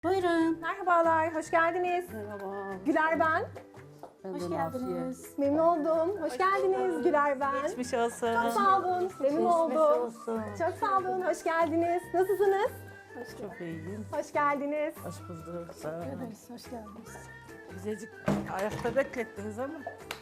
Buyurun. Merhabalar, hoş geldiniz. Merhaba. Güler ben. Hoş geldiniz. Memnun oldum. Hoş geldiniz Güler ben. Geçmiş olsun. Çok sağ olun. Memnun oldum. Çok sağ olun. Hoş geldiniz. Nasılsınız? Çok iyiyim. Hoş geldiniz. Hoş bulduk. Sağ olun. Hoş geldiniz. Güzelcik ayakta beklettiniz ama.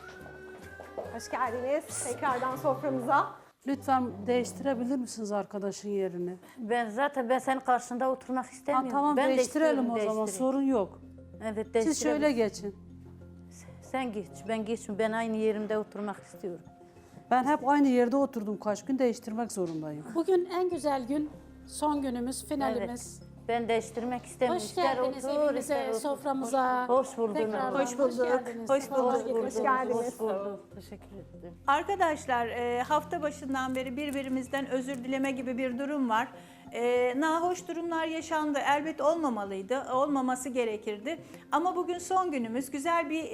Hoş geldiniz tekrardan soframıza. Lütfen değiştirebilir misiniz arkadaşın yerini? Ben senin karşında oturmak Ha, istemiyorum. tamam ben değiştirelim o istiyorum, zaman değiştireyim. sorun yok. Evet Siz değiştirelim. şöyle geçin. Sen geç, ben geçmiyorum. Ben aynı yerimde oturmak istiyorum. Ben hep aynı yerde oturdum kaç gün değiştirmek zorundayım. Bugün en güzel gün, son günümüz, finalimiz. Ben değiştirmek istemiyorum. Hoş İster geldiniz otur, evimize, ister otur. soframıza. Hoş bulduk. Tekrardan Hoş bulduk. geldiniz. Hoş bulduk. Hoş geldiniz. Hoş bulduk. Teşekkür ederim. Arkadaşlar hafta başından beri birbirimizden özür dileme gibi bir durum var. Nahoş durumlar yaşandı. Elbet olmamalıydı. Olmaması gerekirdi. Ama bugün son günümüz. Güzel bir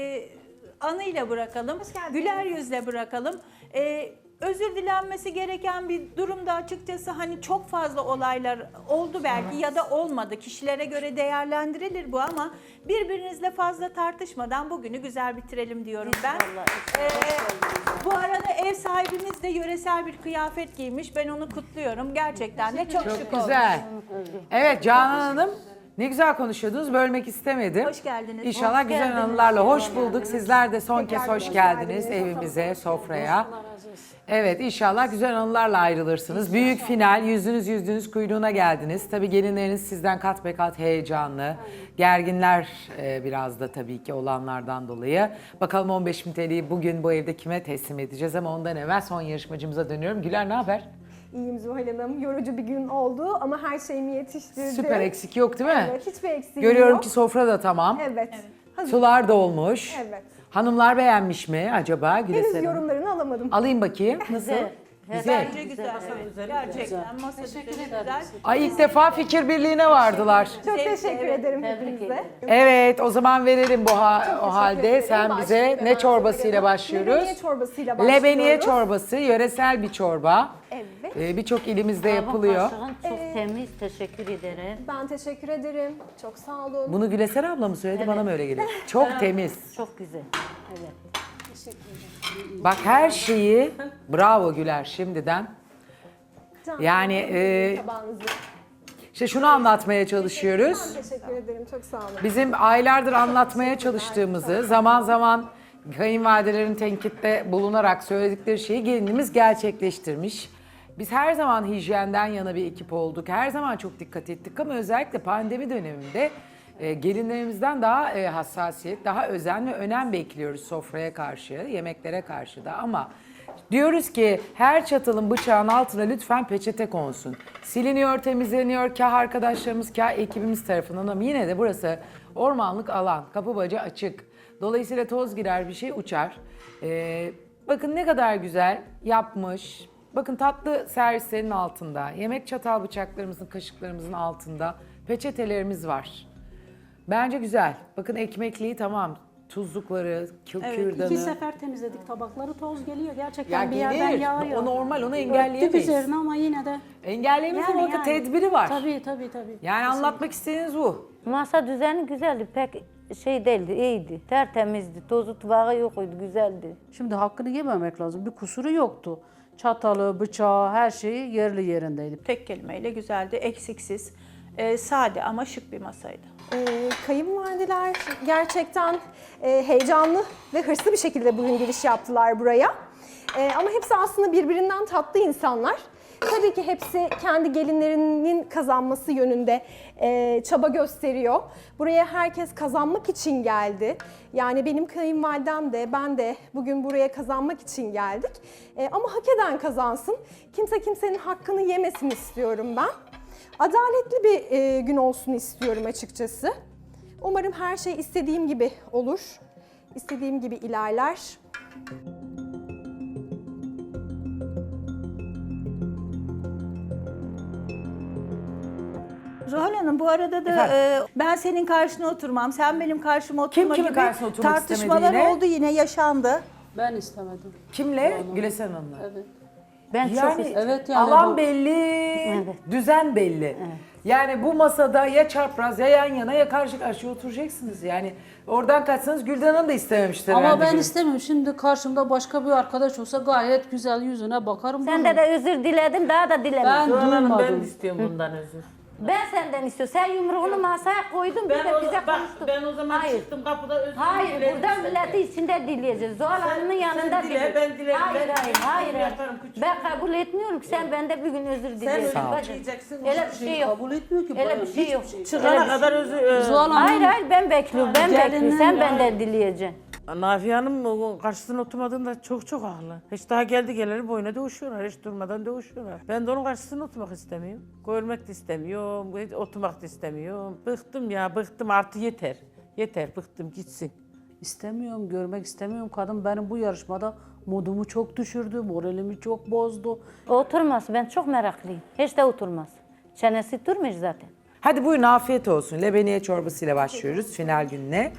anıyla bırakalım. Güler yüzle bırakalım. Özür dilenmesi gereken bir durumda açıkçası hani çok fazla olaylar oldu belki ya da olmadı. Kişilere göre değerlendirilir bu ama birbirinizle fazla tartışmadan bugünü güzel bitirelim diyorum ben. Bu arada ev sahibimiz de yöresel bir kıyafet giymiş. Ben onu kutluyorum. Gerçekten de çok şık olmuş. Güzel. Evet Canan Hanım ne güzel konuşuyordunuz. Bölmek istemedim. Hoş geldiniz. İnşallah Hoş güzel geldiniz. anılarla hoş bulduk. Sizler de son kez Tekrar hoş hoş geldiniz geldiniz. evimize, sofraya. Evet inşallah güzel anılarla ayrılırsınız. Büyük final, yüzünüz kuyruğuna geldiniz. Tabii gelinleriniz sizden kat be kat heyecanlı. Gerginler biraz da tabii ki olanlardan dolayı. Bakalım 15.000 TL'yi bugün bu evde kime teslim edeceğiz ama ondan evvel son yarışmacımıza dönüyorum. Güler ne haber? İyiyim Zuhal Hanım. Yorucu bir gün oldu ama her şeyimi yetiştirdim. Süper, eksik yok değil mi? Evet, hiçbir eksiğim Görüyorum yok. ki sofra da tamam. Evet. Hazır. Sular da olmuş. Evet. Hanımlar beğenmiş mi acaba Güleser Henüz Hanım? yorumlarını alamadım. Alayım bakayım. Nasıl? Güzel. Güzel. Bence güzel. Evet, gerçekten masa düzeni güzel. Ay ilk defa fikir birliğine vardılar. Çok Zevkli, teşekkür evet. ederim Tebrik hepinize. ederim. Evet o zaman verelim o halde. ederim. Sen bize Başlayalım. ne çorbasıyla başlıyoruz? Lebeniye çorbasıyla başlıyoruz. Lebeniye çorbası, yöresel bir çorba. Evet. Birçok ilimizde Bu yapılıyor. kaşığın çok temiz. Teşekkür ederim. Ben teşekkür ederim. Çok sağ olun. Bunu Güleser abla mı söyledi bana mı öyle geliyor? Çok temiz. Çok güzel. Evet. Bak her şeyi bravo Güler şimdiden. Can, Yani tabağınızı. işte şunu anlatmaya çalışıyoruz. Ben teşekkür ederim. Çok sağ olun. Bizim aylardır anlatmaya çalıştığımızı, zaman zaman kayınvalidelerin tenkitte bulunarak söyledikleri şeyi gelinimiz gerçekleştirmiş. Biz her zaman hijyenden yana bir ekip olduk. Her zaman çok dikkat ettik ama özellikle pandemi döneminde gelinlerimizden daha hassasiyet, daha özen ve önem bekliyoruz sofraya karşı, yemeklere karşı da ama diyoruz ki her çatalın bıçağın altına lütfen peçete konsun. Siliniyor, temizleniyor kah arkadaşlarımız kah ekibimiz tarafından ama yine de burası ormanlık alan, kapı bacağı açık. Dolayısıyla toz girer bir şey uçar. Bakın ne kadar güzel yapmış. Bakın tatlı servislerin altında, yemek çatal bıçaklarımızın, kaşıklarımızın altında peçetelerimiz var. Bence güzel. Bakın ekmekliği tamam. Tuzlukları, kürdanı. 2 sefer temizledik tabakları, toz geliyor. Gerçekten Ya bir yerden gelir. yağıyor. O normal, onu Örttük engelleyemeyiz. üzerine ama yine de. Engelleyemeyiz ama bakın tedbiri var. Tabii. Yani anlatmak istediğiniz bu. Masa düzeni güzeldi. Pek şey değildi, iyiydi. Tertemizdi. Tozu tuvağı yokuydu, güzeldi. Şimdi hakkını yememek lazım. Bir kusuru yoktu. Çatalı, bıçağı her şeyi yerli yerindeydi. Tek kelimeyle güzeldi, eksiksiz, sade ama şık bir masaydı. Kayınvalideler gerçekten heyecanlı ve hırslı bir şekilde bugün giriş yaptılar buraya. Ama hepsi aslında birbirinden tatlı insanlar. Tabii ki hepsi kendi gelinlerinin kazanması yönünde çaba gösteriyor. Buraya herkes kazanmak için geldi. Yani benim kayınvalidem de ben de bugün buraya kazanmak için geldik. Ama hak eden kazansın. Kimse kimsenin hakkını yemesin istiyorum ben. Adaletli bir gün olsun istiyorum açıkçası. Umarım her şey istediğim gibi olur. İstediğim gibi ilerler. Zuhal Hanım bu arada da ben senin karşına oturmam, sen benim karşıma oturma kimin gibi karşısına oturmak tartışmalar istemedi yine? oldu yine yaşandı. Ben istemedim. Kimle? Güleser Hanım'la. Evet. Ben çok Yani istedim. Evet yani alan bu- belli, düzen belli. Yani bu masada ya çapraz ya yan yana ya karşı karşıya oturacaksınız. Yani oradan kaçsanız Gülden Hanım da istememiştir Ama herhalde ben bugün. istemiyorum. Şimdi karşımda başka bir arkadaş olsa gayet güzel yüzüne bakarım. Sende de özür diledim, daha da dilemedim. Ben Zuhal Hanım ben duymadım. de istiyorum bundan özür. Ben senden istiyorum. Sen yumruğunu masaya koydun, bize konuştun. Ben o zaman Hayır. çıktım kapıda özür Hayır, dilerim burada senden. milleti içinde dileyeceğiz. Zuhal Hanım'ın yanında dile, dile. ben dilerim, Hayır, ben hayır, dilerim, hayır. ben hayır. yaparım, küçük. Ben kabul etmiyorum ki sen bende bir gün özür dileyeceksin. özür bacım. dileyeceksin, Öyle bir şey yok. Kabul etmiyor ki. Öyle bayan, bir şey yok. hiçbir Çıkana kadar özür... Zuhal Hanım, Hayır, hayır, ben bekliyorum. Ben Gelinin bekliyorum. Sen ya. benden dileyeceksin. Nafiye Hanım o karşısına oturmadığında çok haklı. Hiç daha geldi geleli boyuna dövüşüyorlar. Hiç durmadan dövüşüyorlar. Ben de onun karşısına oturmak istemiyorum. Görmek de istemiyorum. Hiç oturmak da istemiyorum. Bıktım ya bıktım artık yeter. Yeter bıktım gitsin. İstemiyorum, görmek istemiyorum. Kadın benim bu yarışmada modumu çok düşürdü, moralimi çok bozdu. Oturmaz. Ben çok meraklıyım. Hiç de oturmaz. Çenesi durmuş zaten. Hadi buyurun afiyet olsun. Lebeniye çorbasıyla başlıyoruz final gününe.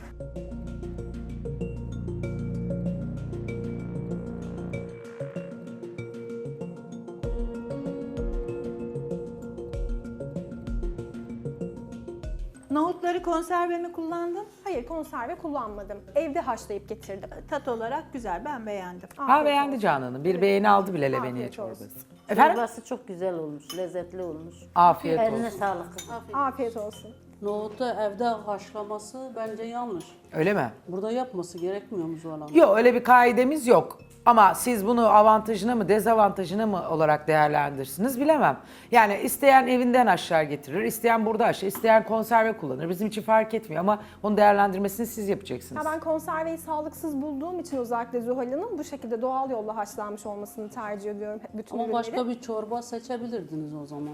Nohutları konserve mi kullandın? Hayır, konserve kullanmadım. Evde haşlayıp getirdim. Tat olarak güzel, ben beğendim. Ha beğendi Canan Hanım. Bir beğeni aldı bile lebeniye Afiyet olsun. çorbası. Efendim? Çorbası çok güzel olmuş, lezzetli olmuş. Afiyet Eline olsun. sağlık. Afiyet olsun. nohutu evde haşlaması bence yanlış. Öyle mi? Burada yapması gerekmiyor mu Zuhal Hanım? Yok öyle bir kaidemiz yok. Ama siz bunu avantajına mı dezavantajına mı olarak değerlendirirsiniz bilemem. Yani isteyen evinden haşlar getirir, isteyen burada haşlar, isteyen konserve kullanır. Bizim için fark etmiyor ama onu değerlendirmesini siz yapacaksınız. Ya ben konserveyi sağlıksız bulduğum için özellikle Zuhal Hanım bu şekilde doğal yolla haşlanmış olmasını tercih ediyorum bütün Ama ürünleri. başka bir çorba seçebilirdiniz o zaman.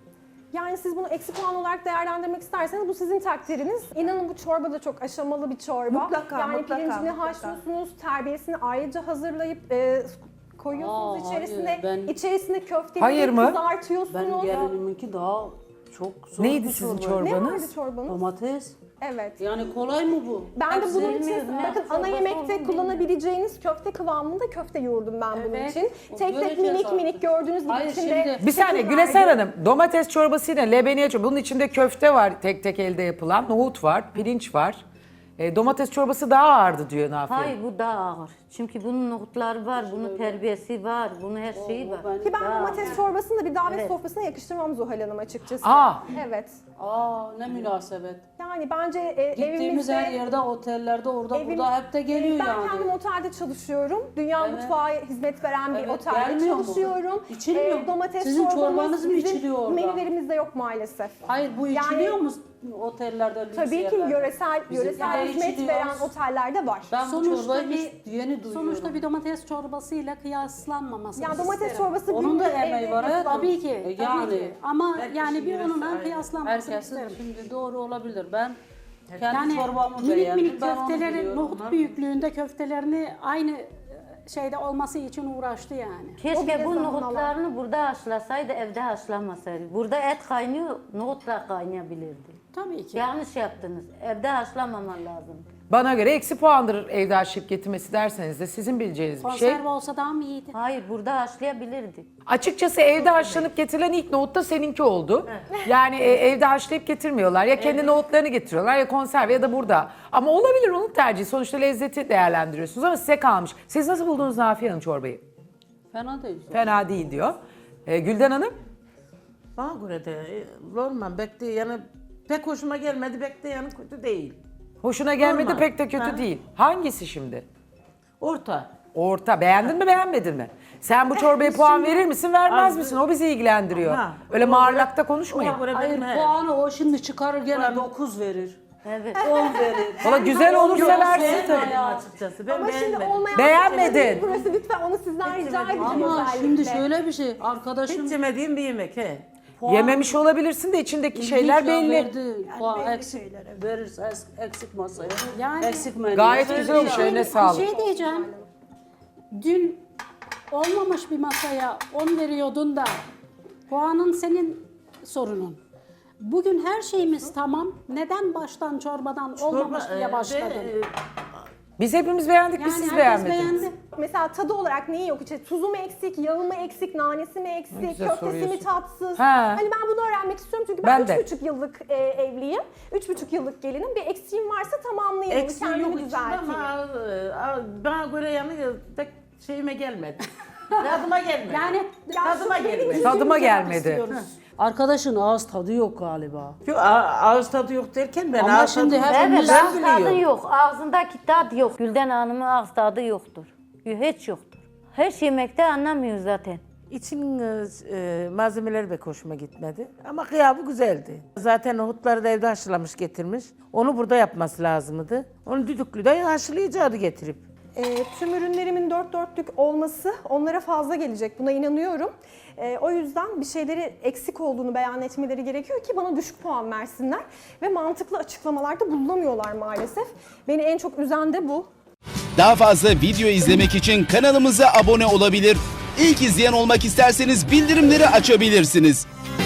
Yani siz bunu eksi puan olarak değerlendirmek isterseniz bu sizin takdiriniz. İnanın bu çorba da çok aşamalı bir çorba. Mutlaka, yani mutlaka, pirincini mutlaka. haşlıyorsunuz, terbiyesini ayrıca hazırlayıp koyuyorsunuz Aa, içerisine. hayır, ben- İçerisine köfteyi Hayır mı? kızartıyorsunuz. Benim geliniminki daha çok zor Neydi bir sizin çorbaydı. Ne vardı çorbanız? çorbanız? Domates. Evet. Yani kolay mı bu? Ben de bunun için bilmiyorum, ne bakın ana çorbası yemekte olduğunu kullanabileceğiniz köfte kıvamında köfte yoğurdum ben bunun Evet, için. o Tek tek göreceğiz minik artık. minik gördüğünüz gibi Hayır, içinde şimdi- Bir saniye şekil Güleser verdi. Hanım, domates çorbasıyla lebeniye çorbası. Bunun içinde köfte var tek tek elde yapılan, nohut var, pirinç var. Domates çorbası daha ağırdı diyor Nafiye. Hayır, bu daha ağır. Çünkü bunun nohutları var, bunun terbiyesi var, bunun her şeyi var. Ki ben Daha domates ağır. çorbasını da bir davet Evet. sofrasına yakıştırmam Zuhal Hanım açıkçası. Aa. Evet. Aa ne münasebet. Yani bence Gittiğimiz evimizde... her yerde, otellerde, orada evim- burada hep de geliyor ben yani. kendim otelde çalışıyorum. Dünya Evet. mutfağı hizmet veren bir Evet, otelde gelmiyor mu? çalışıyorum. İçilmiyor mu? Domates Sizin çorbamız çorbanız mı bizim içiliyor orada? menülerimizde yok maalesef. Hayır bu Yani- içiliyor mu otellerde, lüks Tabii ki yerlerde? yöresel Bizimkide hizmet içiliyor. veren otellerde var. Ben bu Sonuçta çorbayı bir- hiç yeni duyuyorum. Sonuçta bir domates çorbasıyla kıyaslanmaması Yani domates isterim. çorbası Onun da günlük emeği evde var, evet. yapılan- Tabii ki, tabii yani. ki. Ama Herkesin yani bir yöresi onunla ayrı. kıyaslanmasını Herkesin isterim. şimdi doğru olabilir. Ben kendi Yani çorbamı minik beğendim. minik Ben onu köfteleri, biliyorum. nohut büyüklüğünde köftelerini aynı şeyde olması için uğraştı yani. O Keşke bile bu zaman nohutlarını burada haşlasaydı, evde haşlamasaydı. Burada et kaynıyor, nohut da kaynayabilirdi. Tabii ki. Yanlış yaptınız. Evde haşlamaman lazım. Bana göre eksi puandır evde haşlayıp getirmesi derseniz de sizin bileceğiniz bir şey. Konserve olsa daha mı iyiydi? Hayır, burada haşlayabilirdi. Açıkçası evde haşlanıp getirilen ilk nohut da seninki oldu. Yani evde haşlayıp getirmiyorlar. Ya kendi nohutlarını getiriyorlar ya konserve ya da burada. Ama olabilir onun tercihi. Sonuçta lezzeti değerlendiriyorsunuz ama size kalmış. Siz nasıl buldunuz Nafiye Hanım çorbayı? Fena değil. Fena değil diyor. Gülden Hanım? Bana göre de normal bekle yani pek hoşuma gelmedi bekle yani kötü değil. Hoşuna gelmedi Normal. pek de kötü Ha. değil. Hangisi şimdi? Orta. Orta. Beğendin mi beğenmedin mi? Sen bu çorbaya puan verir misin vermez Az- misin? O bizi ilgilendiriyor. Ha. Öyle Ona mağarlakta göre- konuşmayın. Ona göre Hayır benim he. puanı o şimdi çıkarır gene Puanı- 9 verir. Evet. 10 verir. Valla güzel olursa Yok, versin beğenmedim tabii. açıkçası. Ben Ama şimdi beğenmedim. olmayan Beğenmedin. bir şey burası lütfen onu sizden rica edeceğim Ama özellikle. şimdi şöyle bir şey. Arkadaşım Hiç yemediğim bir yemek he. Yememiş olabilirsin de içindeki şeyler İlginç ya, belli. Verdi. Puan eksik verirse eksik masaya. Yani- eksik menü. Gayet güzel olmuş. Eline Bir sağlık. şey diyeceğim. Dün olmamış bir masaya 10 veriyordun da puanın senin sorunun. Bugün her şeyimiz tamam. Neden baştan çorbadan olmamış diye başladın? Biz hepimiz beğendik, Yani biz siz herkes beğenmediniz. beğendi. Mesela tadı olarak neyi yok? İşte tuzu mu eksik, yağı mı eksik, nanesi mi Ne eksik, güzel köftesi mi soruyorsun. tatsız? Ha. Hani ben bunu öğrenmek istiyorum çünkü Ben ben de. 3,5 yıllık evliyim. 3,5 yıllık gelinim. Bir eksiğim varsa tamamlayayım, onu Eksiği yok kendimi içinde düzelteyim. ama bana göre yani pek şeyime gelmedi. Tadıma gelmedi. Yani Tadıma gelmedi. Tadıma Bizim gelmedi. istiyoruz. Arkadaşın ağız tadı yok galiba. Yok, ağız tadı yok derken ben Ama ağız şimdi tadı hepimiz- Evet, ben ağız tadı biliyorum. yok. Ağzındaki tat yok. Gülden Hanım'ın ağız tadı yoktur. Hiç yoktur. Her yemekte anlamıyor zaten. İçin malzemeleri pek hoşuma gitmedi. Ama kıyabı güzeldi. Zaten nohutları da evde haşlamış getirmiş. Onu burada yapması lazımdı. Onu düdüklüde haşlayacaktı getirip. Tüm ürünlerimin 4 dörtlük olması onlara fazla gelecek. Buna inanıyorum. O yüzden bir şeyleri eksik olduğunu beyan etmeleri gerekiyor ki bana düşük puan versinler. Ve mantıklı açıklamalarda bulunamıyorlar maalesef. Beni en çok üzen de bu. Daha fazla video izlemek için kanalımıza abone olabilir. İlk izleyen olmak isterseniz bildirimleri açabilirsiniz.